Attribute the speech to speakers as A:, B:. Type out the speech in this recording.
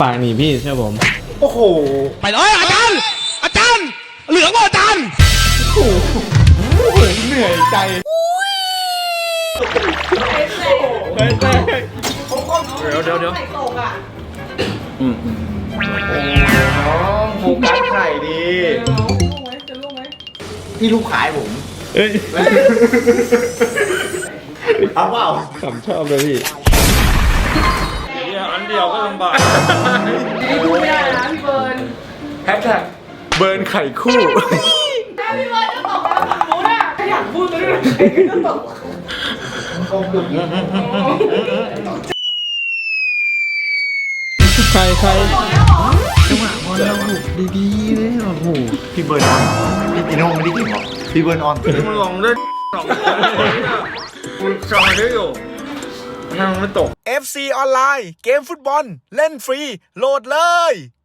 A: ปากหนีพี่ใช่ผม
B: โอ้โห
C: ไปเลยอาจารย์เหลืองว่าอาจารย์
B: เหนื่อยใจเฮ้ยเดี๋ยว
D: ตกอ่ะ
B: โอ้น้องโฟกัสไข่ดี
D: จะลูกไหม
B: พี่ลูกขายผม
A: เอ้ย
B: เอาเปล่า
A: ขำชอบเลยพี่
B: อันเดียวก็ลำบาก
D: นี่พูดไม่ได้นะพี่เบิร์น
B: แฮชแท็กเบิร์นไข่คู่
D: ถ้าพี่เบิร์นจะตกแล้วฝั่งนู้นอ่ะถ้าอยากพูดก็ได้ก็ตก
A: ใคร
B: จังหวะบอลเราบุกดีๆเลยโอ้โหพี่เบิร์นออนพี่ติโน่ไม่ได้กินหรอพี่เบิร์นออนมันลองเล่นหรอกมันจอยได้อยู่นั่งไม่ตก
C: FC ออนไลน์เกมฟุตบอลเล่นฟรีโหลดเลย